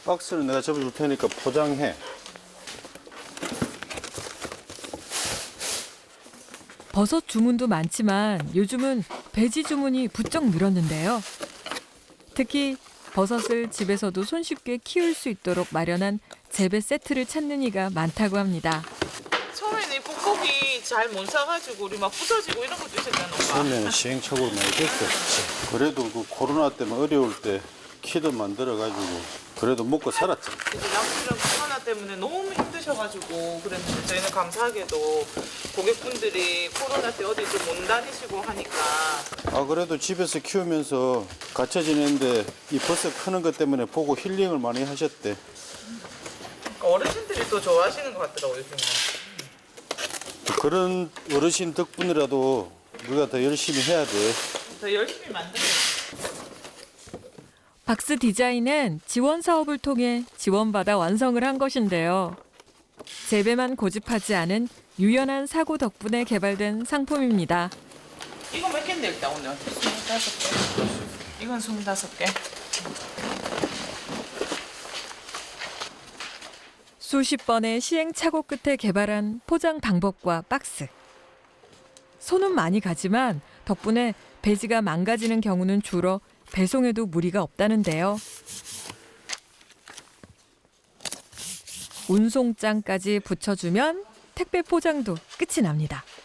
박스는 내가 접어줄 테니까 포장해. 버섯 주문도 많지만 요즘은 배지 주문이 부쩍 늘었는데요. 특히 버섯을 집에서도 손쉽게 키울 수 있도록 마련한 재배 세트를 찾는 이가 많다고 합니다. 처음에는 이 뽁뽁이 잘 못 사가지고 우리 막 부서지고 이런 것도 있었잖아, 오빠. 처음에는 시행착오를 많이 겪었지. 그래도 그 코로나 때문에 어려울 때 키도 만들어가지고 그래도 먹고 살았지. 이제 남편이랑 코로나 때문에 너무 힘드셔가지고 그랬는데 저희는 감사하게도 고객분들이 코로나 때 어디 좀 못 다니시고 하니까 아 그래도 집에서 키우면서 갇혀 지내는데 이 버섯 크는 것 때문에 보고 힐링을 많이 하셨대. 어르신들이 또 좋아하시는 것 같더라고요, 요즘은. 그런 어르신 덕분이라도 우리가 더 열심히 해야 돼. 더 열심히 만들어요. 박스 디자인은 지원 사업을 통해 지원받아 완성을 한 것인데요. 재배만 고집하지 않은 유연한 사고 덕분에 개발된 상품입니다. 이거 몇 개인데 일단 오늘? 25개. 이건 25개. 수십 번의 시행착오 끝에 개발한 포장 방법과 박스. 손은 많이 가지만 덕분에 배지가 망가지는 경우는 줄어 배송에도 무리가 없다는데요. 운송장까지 붙여주면 택배 포장도 끝이 납니다.